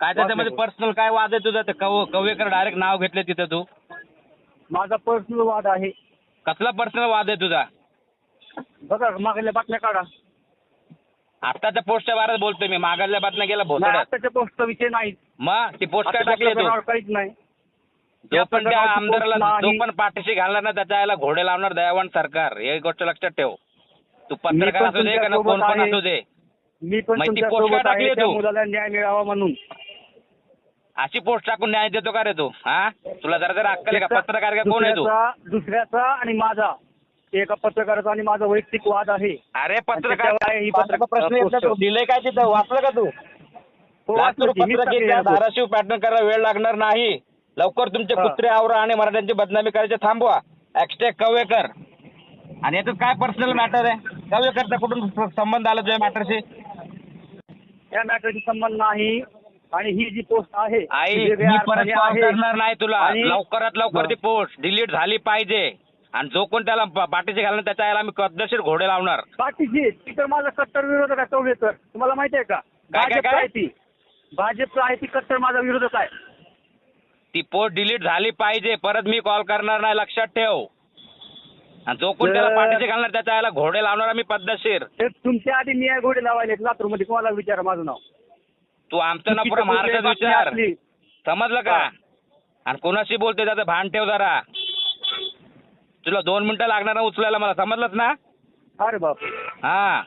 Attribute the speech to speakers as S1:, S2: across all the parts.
S1: काय त्याच्यामध्ये पर्सनल काय वाद आहे तुझा? कवेकर डायरेक्ट नाव घेतलं तिथं तू.
S2: माझा पर्सनल वाद आहे.
S1: कसला पर्सनल वाद आहे तुझा?
S2: बघा मागल्या बातम्या काढा.
S1: आत्ताच्या पोस्टच्या बारेत बोलतोय मी. मागायला बातम्या गेला
S2: नाही,
S1: भोसड्यात.
S2: आताच्या पोस्टचा विषय नाही.
S1: मग ती पोस्ट काय टाकली तू?
S2: काहीच नाही.
S1: जो पण त्या आमदाराला
S2: नाही.
S1: जो पण पाठीशी घालणार ना त्याच्या याला घोडे लावणार दयावान सरकार. हे गोष्ट लक्षात ठेव. तू पत्रकार असू दे का कोण पण असू दे.
S2: मी पण
S1: मग ती
S2: तुमच्या
S1: पोस्ट काय
S2: सोबत
S1: टाकली
S2: आहे, त्या
S1: तू?
S2: मुलाला न्याय मिळावा म्हणून.
S1: अशी पोस्ट टाकून न्याय देतो का रे तू? हा, तुला जरा अक्कल आहे का? पत्रकार का कोण आहे तू?
S2: दुसऱ्याचा आणि माझा, एका पत्रकाराचा आणि माझा वैयक्तिक वाद आहे.
S1: अरे पत्रकार
S2: त्याच्यावर ही पत्रकार
S1: प्रश्न येत नाही. दिलंय काय तिथं? वाचलं का तू? धाराशिव पॅटर्न करायला वेळ लागणार नाही. लवकर तुमचे कुत्रे आवरा आणि मराठ्यांची बदनामी करायचे थांबवा. ॲक्स्टेक कवेकर. आणि याच्यात काय पर्सनल मॅटर आहे? कवेकरचा कुठून संबंध आला तुझ्या मॅटरशी?
S2: या मॅटरशी संबंध नाही. आणि ही जी पोस्ट आहे
S1: आई
S2: ती वेगळ्या
S1: मी परत
S2: अर्थाने
S1: कॉल
S2: आहे.
S1: करणार नाही तुला.
S2: आणि-
S1: लवकरात लवकर ती पोस्ट डिलीट झाली पाहिजे. आणि जो कोण त्याला पाठीशी घालणार त्याच्या याला मी पद्धतशीर घोडे लावणार.
S2: पाठीशी ती तर माझा कट्टर विरोधक आहे कवेकर. तुम्हाला माहिती आहे का? भाजप आहे ती. भाजप आहे ती कट्टर माझा विरोधक आहे.
S1: ती पोस्ट डिलीट झाली पाहिजे. परत मी कॉल करणार नाही, लक्षात ठेव. आणि जो कोण त्याला पाठीशी घालणार त्याच्या याला घोडे लावणार मी पद्धतशीर.
S2: ते तुमच्या आधी मी घोडे लावायले लातूरमध्ये. कोणाला विचारा माझं नाव.
S1: तू आमचं ना पुढे महाराष्ट्रात विचार. समजलं का? आणि कोणाशी बोलते त्याचं भान ठेव जरा. तुला 2 मिनिटं लागणार ना उचलायला मला, समजलंच ना?
S2: अरे बाप.
S1: हा,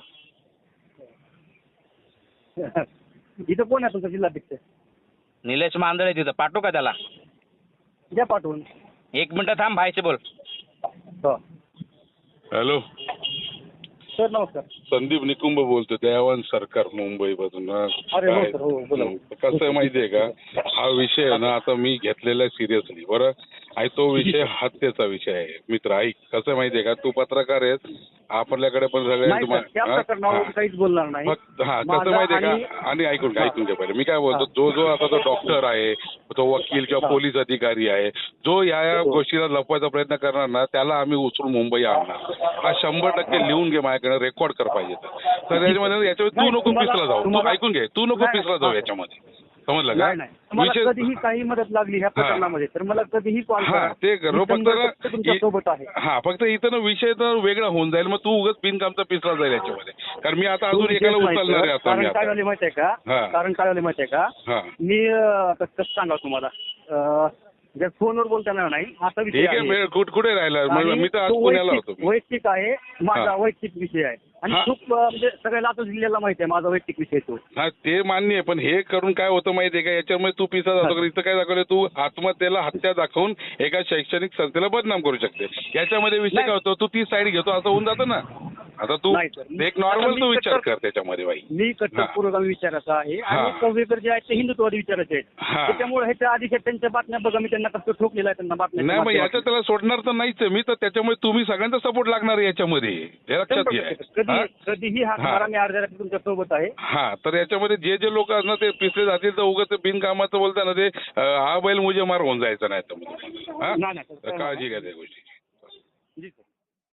S2: इथं कोण आहे तुमचा जिल्हाध्यक्ष?
S1: निलेश मांदळे तिथं. पाठवू का त्याला?
S2: द्या पाठवून.
S1: 1 मिनिटं थांब, भाईशी बोल.
S2: हो.
S3: हॅलो
S2: सर नमस्कार.
S3: संदीप निकुंभ बोलतो, दयावान सरकार मुंबईमधून.
S2: अरे हो सर, हो बोला.
S3: कसं आहे माहितीये का, हा विषय आहे ना आता मी घेतलेला आहे सिरियसली. बरं, आणि तो विषय हत्येचा विषय आहे. मित्र ऐक, कसं आहे माहितीये का, तू पत्रकार आहेस, आपल्याकडे पण
S2: नाही सर, त्या प्रकरणावर काहीच बोलणार नाही.
S3: कसं माहितीये का, आणि ऐकून घे पहिले मी काय बोलतो. जो आता तो डॉक्टर आहे, तो वकील किंवा पोलीस अधिकारी आहे, जो या गोष्टीला लपवायचा प्रयत्न करणार ना त्याला आम्ही उचलून मुंबई आणणार. हा 100% लिहून घे माझ्याकडे, रेकॉर्ड कर पाहिजे तर याच्यामध्ये. याच्यामध्ये तू नको पिसला जाऊ. तू ऐकून घे, तू नको पिसला जाऊ याच्यामध्ये. समजलं का?
S2: विषय कधीही काही मदत लागली ह्या प्रकरणामध्ये तर मला कधीही कॉल करा.
S3: ते करू. फक्त
S2: तुमच्या सोबत आहे.
S3: हा, फक्त इथं ना विषय तर वेगळा होऊन जाईल. मग तू उगाच बिनकामचा पिसला जाईल याच्यामध्ये. कारण मी आता अजून एकाला उचलणार आहे. आता मी
S2: काय झाले माहितीये का? कारण काय झाले माहितीये का? मी कसं सांगा तुम्हाला, जर फोनवर बोलताना नाही असा विषय आहे.
S3: कुठे राहिला? मी तर आज पुण्याला होतो.
S2: वैयक्तिक आहे माझा, वैयक्तिक विषय आहे. आणि खूप म्हणजे सगळ्या लातूर जिल्ह्याला माहिती आहे माझा वैयक्तिक विषय तो.
S3: हा, ते मान्य आहे. पण हे करून काय होतं माहितीये का, याच्यामुळे तू पिसा जातो. इथं काय दाखवलं, तू आत्महत्येला हत्या दाखवून एका शैक्षणिक संस्थेला बदनाम करू शकते. याच्यामध्ये विषय काय होतो, तू ती साईड घेतो असं होऊन जातं ना. आता तू एक नॉर्मल तू विचार कर त्याच्यामध्ये. बाई
S2: मी कट्टर पुरोगामी विचाराचा आहे आणि कवेकर जे आहेत ते हिंदुत्ववादी विचाराचे आहेत. त्याच्यामुळे ह्याच्या आधी त्यांच्या बातम्या बघा, मी त्यांना कसं ठोकलेलं आहे त्यांना बातम्या.
S3: नाही, मग याच्या त्याला सोडणार तर नाहीच मी तर. त्याच्यामुळे तुम्ही सगळ्यांचा सपोर्ट लागणार आहे याच्यामध्ये, हे लक्षात घ्या.
S2: कधीही हात मारा, मी अर्ध्या रात्री तुमच्या सोबत आहे.
S3: हा, तर याच्यामध्ये जे लोक ना ते पिसले जातील तर उगाच बिनकामाचं बोलताना ते हा बैल मुझे मार होऊन जायचं नाही. तर काळजी घ्या त्या गोष्टीची.